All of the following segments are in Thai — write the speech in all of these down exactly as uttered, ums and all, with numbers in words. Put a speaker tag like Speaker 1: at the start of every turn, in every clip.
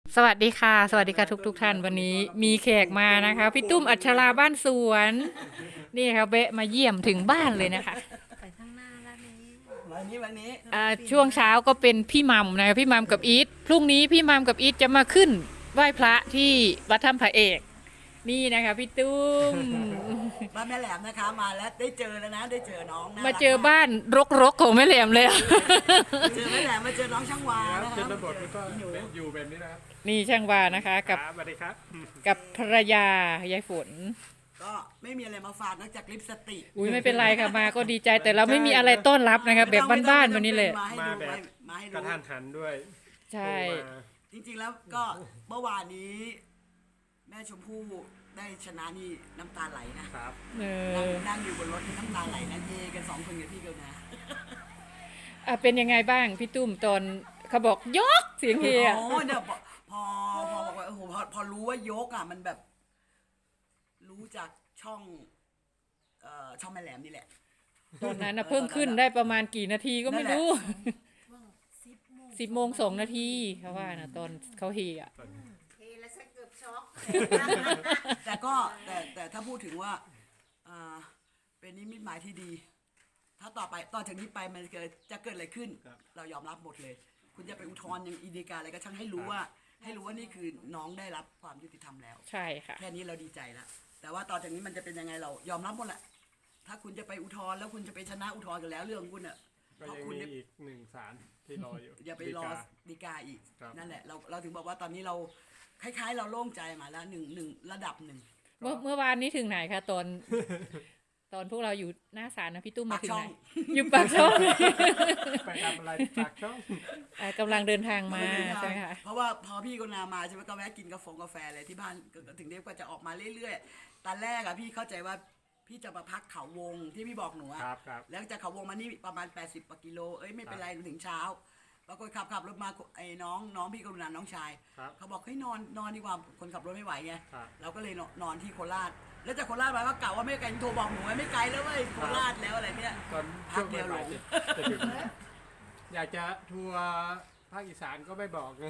Speaker 1: สวัสดีค่ะสวัสดีค่ะทุกทุกท่านวันนี้มีแขกมานะคะพี่ตุ้มอัชราบ้านสวนนี่ค่ะเบะมาเยี่ยมถึงบ้านเลยนะคะ
Speaker 2: ไปข้างหน้าแล้วนี้
Speaker 3: วันนี้วันนี้
Speaker 1: อ่าช่วงเช้าก็เป็นพี่มัมนะคะพี่มัมกับอีทพรุ่งนี้พี่มัมกับอีทจะมาขึ้นไหว้พระที่วัดถ้ำพระเอกนี่นะคะพี่ตุ้ม
Speaker 3: บ้านแม่แหลมนะคะมาแล้วได้เจอแล้วนะได้เจอน้องน่
Speaker 1: มา
Speaker 3: รัก
Speaker 1: เจอบ้านรกๆของแม่แหลมเลย
Speaker 3: เจอแม่แหลมมาเจอน้องช่างวานะค
Speaker 4: ช
Speaker 3: รับ
Speaker 4: นบทมันก็อยู่แบบนี้นะครับ
Speaker 1: นี่ช่างวานะคะกับ
Speaker 4: ครับสวัสดีครับ
Speaker 1: กับภรรยายายฝน
Speaker 3: ก็ไม่มีอะไรมาฝากนอกจากลิปสติก
Speaker 1: อุ้ยไม่เป็นไรค่ะมาก็ดีใจแต่เราไม่มีอะไรต้อนรับนะคะแบบบ้านๆวันนี้เลย
Speaker 3: มาให้
Speaker 4: มา
Speaker 3: ดู
Speaker 4: แบบ
Speaker 3: มาให้
Speaker 4: กระ
Speaker 3: ดู
Speaker 4: ทันหันด้วย
Speaker 1: ใช่
Speaker 4: โทรมา
Speaker 3: จริงๆแล้วก็เมื่อวานนี้ แม่ชมพู่ได้ชนะนี่น้ำตาไหลนะครับ
Speaker 1: เอ
Speaker 3: นั่ง
Speaker 1: อ
Speaker 3: นั่งอยู่บนรถนี่น้ำตาไหลนะเยกันสองคนกับพี่เกลนะ
Speaker 1: อ่ะเป็นยังไงบ้างพี่ตุ้มตอนเขาบอกยกเสียงเฮอะ
Speaker 3: โอ้เนี่ยพอพอพอบอกว่าโอ้โหพอพอรู้ว่ายกอ่ะมันแบบ รู้จากช่องเอ่อช่องแม่แหลมนี่แหละ
Speaker 1: ตอนนั้นนะเพิ่งขึ้นได้ประมาณกี่นาทีก็ไม่รู้
Speaker 2: สิบโมง
Speaker 1: สิบโมงสองนาทีเขาว่านะตอนเขาเฮอะ
Speaker 2: เทแล้วฉันเกือบช็อก
Speaker 3: แต่ก็แต่แต่ถ้าพูดถึงว่าอ่าเป็นนิมิตหมายที่ดี ถ้าต่อไปต่อจากนี้ไปมันเกิดจะเกิดอะไรขึ้น เรายอมรับหมดเลย คุณจะไปอุทธรณ์ยังอีดีกาอะไรก็ช่างให้รู้ว่า ให้รู้ว่านี่คือน้องได้รับความยุติธรรมแล้ว
Speaker 1: ใช่ค่ะ
Speaker 3: แค่นี้เราดีใจแล้วแต่ว่าต่อจากนี้มันจะเป็นยังไงเรายอมรับหมดแหละถ้าคุณจะไปอุทธรณ์แล้วคุณจะไปชนะอุทธรณ์กันแล้วเรื่องของคุณอ่ะ
Speaker 4: ก็
Speaker 3: เพราะ
Speaker 4: ยัง
Speaker 3: คุณ
Speaker 4: มี
Speaker 3: ได้
Speaker 4: อีกหนึ่งศาลที่รออยู่
Speaker 3: อย่าไปรอดีกาอีก
Speaker 4: ครับ
Speaker 3: นั่นแหละเราเราถึงบอกว่าตอนนี้เราคล้ายๆ เราโล่งใจมาแล้วหนึ่งหนึ่งระดับหนึ่ง
Speaker 1: เมื่อเมื่อวานนี้ถึงไหนคะตอน ตอนพวกเราอยู่หน้าศาลนะพี่ตุ้มมาถึงไหน
Speaker 3: ปากช่อง
Speaker 1: อยู่ปากช่อง
Speaker 4: ไปทำอะไรปากช่อง
Speaker 1: อ่ะกำลังเดินทางมาใช่ไหมคะ
Speaker 3: เพราะว่าพอพี่กนามาใช่ไหมก็แวะกินกาแฟกาแฟเลยที่บ้านก็ก็ถึงเรียกว่าจะออกมาเรื่อยๆตอนแรกอะพี่เข้าใจว่าพี่จะมาพักเขาวงที่พี่บอกหนูอะ
Speaker 4: ครับครับ
Speaker 3: แล้วจากเขาวงมานี่ประมาณ แปดสิบกว่ากิโลเอ้ยไม่เป็นไรถึงเช้าปรากฏขับขับรถมาไอ้น้องน้องพี่กรุณาน้องชาย
Speaker 4: ครับ
Speaker 3: เขาบอกให้ยนอนนอนดีกว่าคนขับรถไม่ไหวไง
Speaker 4: ครับ
Speaker 3: เราก็เลยนอนนอนที่โคราช แล้วจากโคราชมาก็กล่าวว่าไม่ไกลโทรบอกหนูไว้ไม่ไกลแล้วเว้ยโคราชแล้วอะไรเนี่ย
Speaker 4: ตอน
Speaker 3: พั
Speaker 4: ช่
Speaker 3: ก
Speaker 4: วง
Speaker 3: เดียวหล
Speaker 4: บ่าย
Speaker 3: ง
Speaker 4: ๆจะจะถึงอยากจะทัวร์ภาคอีสานก็ไม่บอกไง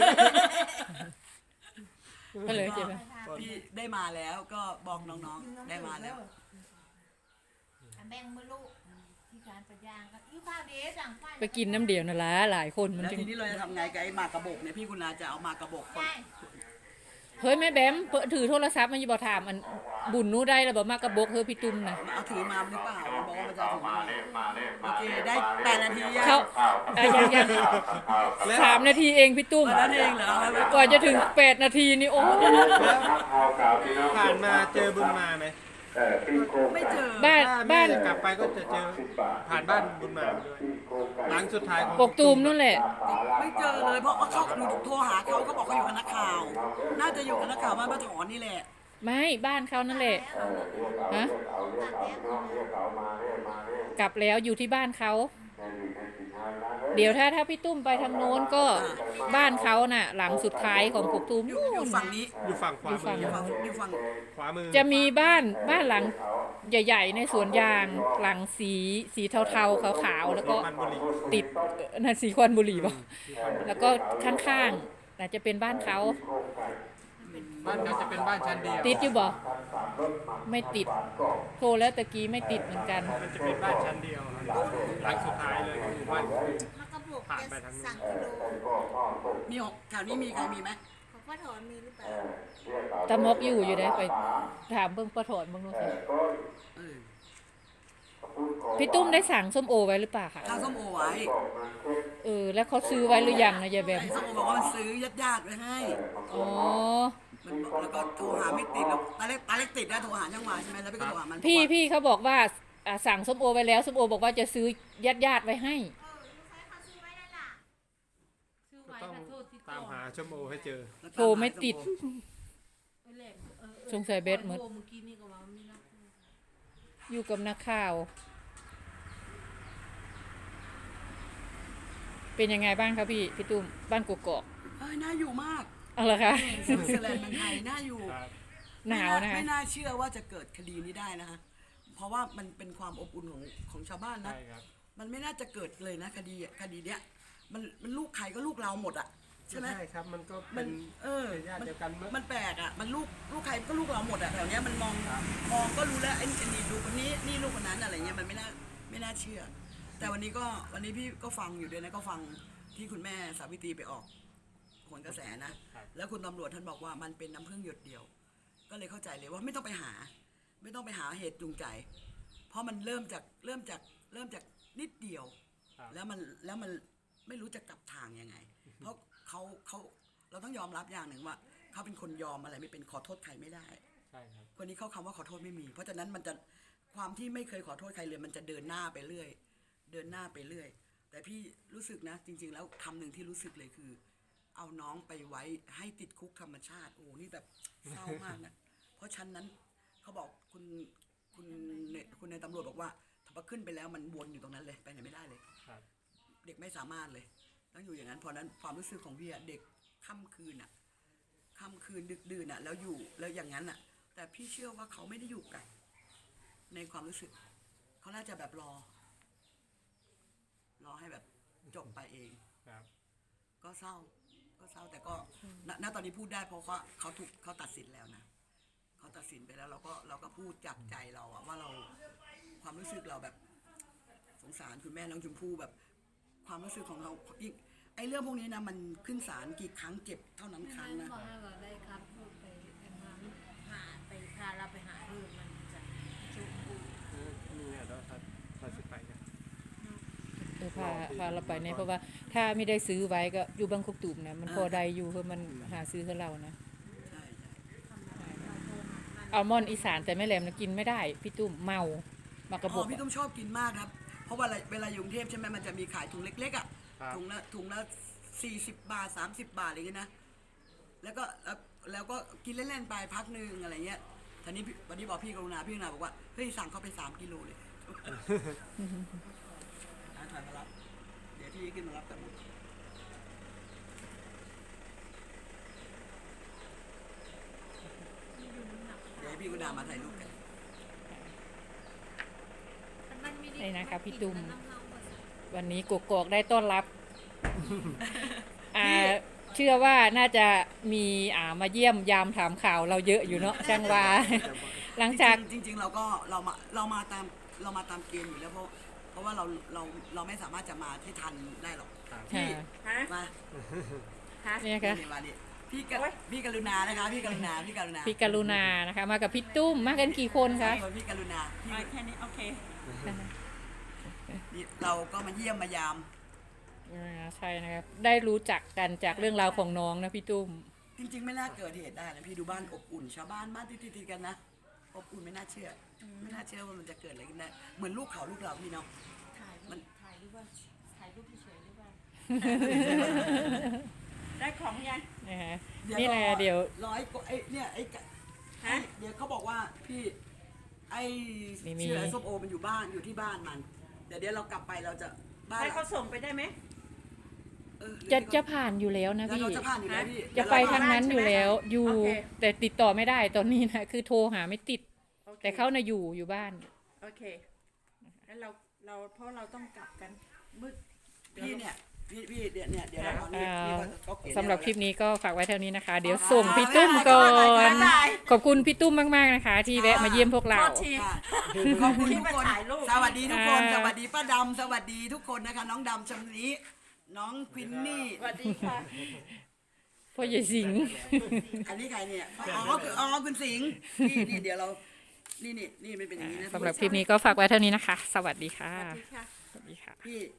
Speaker 1: ก็เลยใช่ไหม
Speaker 3: พี่ได้มาแล้วก็บอกน้องๆได้มาแล้ว
Speaker 2: แบ่งมือลูกที่การปัญญางก็ยิ้วข้าวเดชสั่งไฟ
Speaker 1: ไปกินน้ำเดียวนั่นละหลายคนมัน
Speaker 3: แล้ว
Speaker 1: จึง
Speaker 3: ทีนี้เราจะทำไงกับไอ้หมากกระบอกเนี่ยพี่คุณนาจะเอาหมากกระบอกคน
Speaker 2: ใช่
Speaker 1: เฮ้ยแม่แบมเปิดถือโทรศัพท์มันจะบอกถามอันบุญนู้ได้แล้วบอกมากระบอกเฮ้ยพี่ตุ้มนะ
Speaker 3: เอาถือมาหรือเปล่ามันบอกว่ามันจะเอาถือมาโอเคได้แปดนาทียัง
Speaker 1: เขาอ่ะยังยังสามนาทีเองพี่ตุ้ม
Speaker 3: เออนั่นเองเหรอแล้ว
Speaker 1: กว่าจะถึงแปดนาทีนี่โอ้
Speaker 4: ผ่านมาเจอบุญมาไหม
Speaker 3: ไม่เจอ
Speaker 1: บ้าน
Speaker 4: ถ้า
Speaker 1: บ้าน
Speaker 4: แม่กลับไปก็จะเจอผ่านบ้านบุญมาด้วยหลังสุดท้ายของ
Speaker 1: กกตูมนั่นแหละ
Speaker 3: ไม่เจอเลยเพราะว่าเขาหนูโทรหาเขาเขาบอกเขาอยู่กับนักข่าว น่าจะอยู่กับนักข่าวบ้านป้าถอนนี่แหละ
Speaker 1: ไม่บ้านเขานั่นแหละฮะกลับแล้วอยู่ที่บ้านเขาเดี๋ยวถ้าถ้าพี่ตุ้มไปทางโน้นก็บ้านเขาน่ะ หลังสุดท้ายของกกตูม
Speaker 3: อยู่
Speaker 1: นู่
Speaker 3: อยู่
Speaker 1: น
Speaker 3: ฝั่งนี้
Speaker 4: อยู่ฝั่งขวา
Speaker 1: อยู่ฝั่
Speaker 4: มื
Speaker 1: ง
Speaker 4: อ
Speaker 3: ฝั่งอยู่ฝั่ง
Speaker 4: ขวามือ
Speaker 1: จะมีบ้านบ้านหลังใหญ่ ๆ ในสวนยางหลังสีสีเทาๆขาวๆแล้วก็
Speaker 4: มันบุรี
Speaker 1: ติดเอ่อนั่นสีควันบุหรี่ป่ะแล้วก็ข้างๆน่าจะเป็นบ้านเขา
Speaker 4: บ้านเขาจะเป็นบ้านชั้นเดียว
Speaker 1: ติดอยู่บ่ไม่ติดโทรแล้วตะกี้ไม่ติดเหมือนกัน
Speaker 4: มันจะเป็นบ้านชั้นเดียวหลังสุดท้ายเลยของหมู่บ้าน
Speaker 2: มันกระบอก
Speaker 4: ผ่านไปทางนู้น
Speaker 2: สั่งกิโล
Speaker 3: มีหกแถวนี้มีใครมีไหม
Speaker 2: ของป้าถอนมีหรือเปล่า
Speaker 1: ตะมกอยู่อยู่ได้ไปถามเบิ่งประถอนเบิ่งดูสิ
Speaker 3: เออ
Speaker 1: พี่ตุ้มได้สั่งส้มโอไว้หรือเปล่าคะ
Speaker 3: ข้าวส้มโอไว้
Speaker 1: เออแล้วเขาซื้อไว้หรือยังนะยายแบม
Speaker 3: ไอ้ส้มโอบอกว่ามันซื้อญาติญาติๆไว้ให้
Speaker 1: อ๋อ
Speaker 3: มันบอกแล้วก็โทรหาไม่ติดแล้วตาเล็กตาเล็กติดนะโทรหาช่างวาใช่ไหมแล้วพี่ก็โทรหามัน
Speaker 1: พี่
Speaker 3: บอกว่า
Speaker 1: พี่เขาบอกว่าอ่าสั่งส้มโอไว้แล้วส้มโอบอกว่าจะซื้อญาติญาติๆไว้ให้
Speaker 2: เออลูกชายเขาซื้อไว้แล้วล่ะซื้อ
Speaker 4: ก็
Speaker 2: ไว้
Speaker 4: ต้อง
Speaker 2: ค่ะโทษที่
Speaker 4: ตามหาชั่วโมงให้เจอ
Speaker 1: โทรไม่ติด
Speaker 2: เออแหลมเออเออ
Speaker 1: สงสัยเบสหมด
Speaker 2: โทรเมื่อกี้นี่ก็ว่าไม่รับ
Speaker 1: อยู่กับนักข่าว เป็นยังไงบ้างครับพี่พี่ตุ้มบ้านกกอก
Speaker 3: เอ้ยน่าอยู่มาก
Speaker 1: เอาละคะ
Speaker 3: สวิตเซอร์แลนด์เมืองไทยน่าอยู่
Speaker 4: ครับ
Speaker 1: หนาวนะคะ
Speaker 3: ไม่น่าเชื่อว่าจะเกิดคดีนี้ได้นะคะ เพราะว่ามันเป็นความอบอุ่นของของชาวบ้านนะ
Speaker 4: ใช่ครับ
Speaker 3: มันไม่น่าจะเกิดเลยนะคดีอะคดีเนี้ย มันมันลูกใครก็ลูกเราหมดอ่ะใช่ไหม
Speaker 4: ใช่ครับมันก็
Speaker 3: มั
Speaker 4: เป็น น
Speaker 3: เออ
Speaker 4: เป็นญาติ
Speaker 3: มัน
Speaker 4: เดียวกันมั้ง
Speaker 3: มันแปลกอ่ะมันลูกลูกใครก็ลูกเราหมดอ่ะแถวเนี้ยมันมอง
Speaker 4: ครับ
Speaker 3: มองก็รู้แล้วไอ้ไอ้นี่ดูคนนี้นี่ลูกคนนั้นอะไรเงี้ยมันไม่น่าไม่น่าเชื่อ แต่วันนี้ก็วันนี้พี่ก็ฟังอยู่ด้วยนะก็ฟังที่คุณแม่สาวิตรีไปออกโหนกระแสนะ
Speaker 4: ครับ
Speaker 3: แล้วคุณตำรวจท่านบอกว่ามันเป็นน้ำพึ่งหยดเดียว ก็เลยเข้าใจเลยว่าไม่ต้องไปหา ไม่ต้องไปหาเหตุจูงใจ เพราะมันเริ่มจากเริ่มจากเริ่มจากนิดเดียว
Speaker 4: ครับ
Speaker 3: แล้วมันแล้วมันไม่รู้จะกลับทางยังไง เพราะเขาเขาเราต้องยอมรับอย่างหนึ่งว่าเขาเป็นคนยอมอะไรไม่เป็นขอโทษใครไม่ได้
Speaker 4: ใช่ครับ
Speaker 3: คนนี้เขาคำว่าขอโทษไม่มี เพราะฉะนั้นมันจะความที่ไม่เคยขอโทษใครเลย มันจะเดินหน้าไปเรื่อย เดินหน้าไปเรื่อย แต่พี่รู้สึกนะ จริง ๆ แล้วคำหนึ่งที่รู้สึกเลยคือ เอาน้องไปไว้ให้ติดคุกธรรมชาติ โอ้นี่แบบเศร้ามากนะ เพราะชั้นนั้นเขาบอกคุณคุณเนคุณในายตำรวจบอกว่าถ้าขึ้นไปแล้วมันวนอยู่ตรงนั้นเลยไปไหนไม่ได้เลย
Speaker 4: ครับ
Speaker 3: เด็กไม่สามารถเลย ต้องอยู่อย่างนั้นเพราะนั้นความรู้สึกของพี่อะเด็กค่ำคืนอะค่ำคืนดึกดื่นอะแล้วอยู่แล้วอย่างนั้นอะแต่พี่เชื่อว่าเขาไม่ได้อยู่กันในความรู้สึกเขาน่าจะแบบรอ รอให้แบบจบไปเอง
Speaker 4: ครับ
Speaker 3: ก็เศร้า ก็เศร้าแต่ก็ณณตอนนี้พูดได้เพราะเขาเขาถูกเขาตัดสินแล้วนะเขาตัดสินไปแล้วเราก็เราก็พูดจากใจเราอะว่าเราความรู้สึกเราแบบ สงสารคุณแม่น้องชมพู่แบบ ความรู้สึกของเราอีกไอ้เรื่องพวกนี้นะมันขึ้นศาลกี่ครั้งเจ็บเท่านั้นครั้งนะ
Speaker 2: บอกให้ว่าได้ครับพูดไปหาหาไปพาเราไปหาเรื่องมันจะชุบปู
Speaker 4: เออนี่เนี่ยเราถ้าถ้าสิไปกัน
Speaker 1: เออพาพาเราไปเนี่ยเพราะว่าถ้าไม่ได้ซื้อไว้ก็อยู่บางกอกตุ่มนะมันพอได้อยู่เพราะมันหาซื้อให้เรานะ
Speaker 3: ใช่ใช่
Speaker 1: อัลมอนด์อีสานแต่แม่แหลมนะกินไม่ได้พี่ตุ้มเมามากระบ
Speaker 3: อ๋
Speaker 1: อ
Speaker 3: อก พี่ตุ้มชอบกินมากครับ เพราะว่าเวลาเวลาอยู่กรุงเทพใช่ไหมมันจะมีขายถุงเล็กๆอ่ะ
Speaker 4: ครับ
Speaker 3: ถุงละถุงละสี่สิบบาทสามสิบบาทอะไรอย่างเงี้ยนะแล้วก็แล้วแล้วก็กินเล่นๆไปพักหนึ่งอะไรเงี้ยทีนี้พี่วันนี้บอกพี่กรุณาพี่กรุณาบอกว่าเฮ้ยสั่งเขาไปสามกิโลเลยหาถ่ายมารับเดี๋ยวพี่ขึ้นมารับกันหมดเดี๋ยวให้พี่กรุณามาถ่ายรูปกัน
Speaker 1: นี่นะคะพี่ตุ้มวันนี้กกอกได้ต้อนรับอ่าเชื่อว่าน่าจะมีอ่ามาเยี่ยมยามถามข่าวเราเยอะอยู่เนาะช่างว่า หลังจาก
Speaker 3: จริงๆจริง ๆ เราก็เรามาเรามาตามเรามาตามเกณฑ์อยู่แล้วเพราะเพราะว่าเราเราเราไม่สามารถจะมาที่ทันได้หรอก
Speaker 4: ครับ
Speaker 3: พี่
Speaker 2: ฮะ
Speaker 3: มา
Speaker 2: ฮะ
Speaker 1: เนี่ยค่ะ
Speaker 3: นี่มาดิพี่กะพี่กรุณานะคะพี่กรุณาพี่กรุณา
Speaker 1: พี่กรุณานะคะมากับพี่ตุ้มมากันกี่คนคะ
Speaker 3: พี่กรุณาพี่
Speaker 2: แค่นี้โอเค
Speaker 3: นี่เราก็มาเยี่ยมมายาม
Speaker 1: อ่าใช่นะครับได้รู้จักกันจากเรื่องราวของน้องนะพี่ตุ้ม
Speaker 3: จริง ๆ ไม่น่าเกิดเหตุได้นะพี่ดูบ้านอบอุ่น ชาวบ้านบ้านติดๆกันนะอบอุ่นไม่น่าเชื่ออไม่น่าเชื่อว่ามันจะเกิดอะไรขึ้นได้เหมือนลูกเขาลูกเราพี่เนาะ
Speaker 2: ถ่าย
Speaker 3: มัน
Speaker 2: ถ่ายรูปว่าถ่ายรูปเฉยๆหรือว่า
Speaker 5: ได้ของยัง
Speaker 1: นะฮะนี่แหละเดี๋ยว
Speaker 3: ร้อยกว่าไอ้เนี่ยไอ้กะ
Speaker 5: ฮะ
Speaker 3: เดี๋ยวเขาบอกว่าพี่ไอ้
Speaker 1: มีมี
Speaker 3: ชื่ออะไรส้มโอมันอยู่บ้านอยู่ที่บ้านมันเดี๋ยวเดี๋ยวเรากลับไปเราจะบ้าน
Speaker 5: ให้เขาส่งไปได้ไหม
Speaker 3: เออ
Speaker 1: จะจะผ่านอยู่แล้วนะ
Speaker 3: แล้ว
Speaker 1: พี่
Speaker 3: เราจะผ่านอยู่แล้วพี่
Speaker 1: จะไปทางนั้นอยู่แล้วอยู่
Speaker 5: โอเค
Speaker 1: แต่ติดต่อไม่ได้ตอนนี้นะคือโทรหาไม่ติด
Speaker 5: โอค
Speaker 1: แต่เขาน่ะอยู่อยู่บ้าน
Speaker 5: โอเคแล้วเราเราเพราะเราต้องกลับกันมืด
Speaker 3: พี่เนี่ยพี่พี่เดี๋ยวเนี่ยเดี๋ยวเราเอาเนี่ย
Speaker 1: อ่า
Speaker 3: พี่ก็เขียน
Speaker 1: สำหรับคลิป
Speaker 3: เนี่ย
Speaker 1: นี้ก็ฝากไว้เท่านี้นะคะ เดี๋ยวส่งพี่ตุ้มก่อน ขอบคุณพี่ตุ้มมากๆนะคะ ที่แวะมาเยี่ยมพวกเรา
Speaker 5: โทษที
Speaker 3: ค่ะขอบคุณทุกคน
Speaker 5: ที่มาถ่ายรูป
Speaker 3: สวัสดีทุกคน
Speaker 1: อ่า
Speaker 3: สวัสดีป้าดำสวัสดีทุกคนนะคะ น้องดำชำนี้ น้องควินนี่
Speaker 5: สวัสดีค่ะ
Speaker 1: พ่อใหญ่สิงห์
Speaker 3: อันนี้ใครเนี่ยอ๋อคืออ๋อคุณสิงห์นี่นี่เดี๋ยวเรา นี่นี่นี่มันเป็นอย่างนี้นะ
Speaker 1: สำหรับคลิปนี้ก็ฝากไว้เท่านี้นะคะ สวัสดีค่ะ
Speaker 5: สวัสดีค่ะ
Speaker 1: สวัสดีค่ะ
Speaker 3: พี่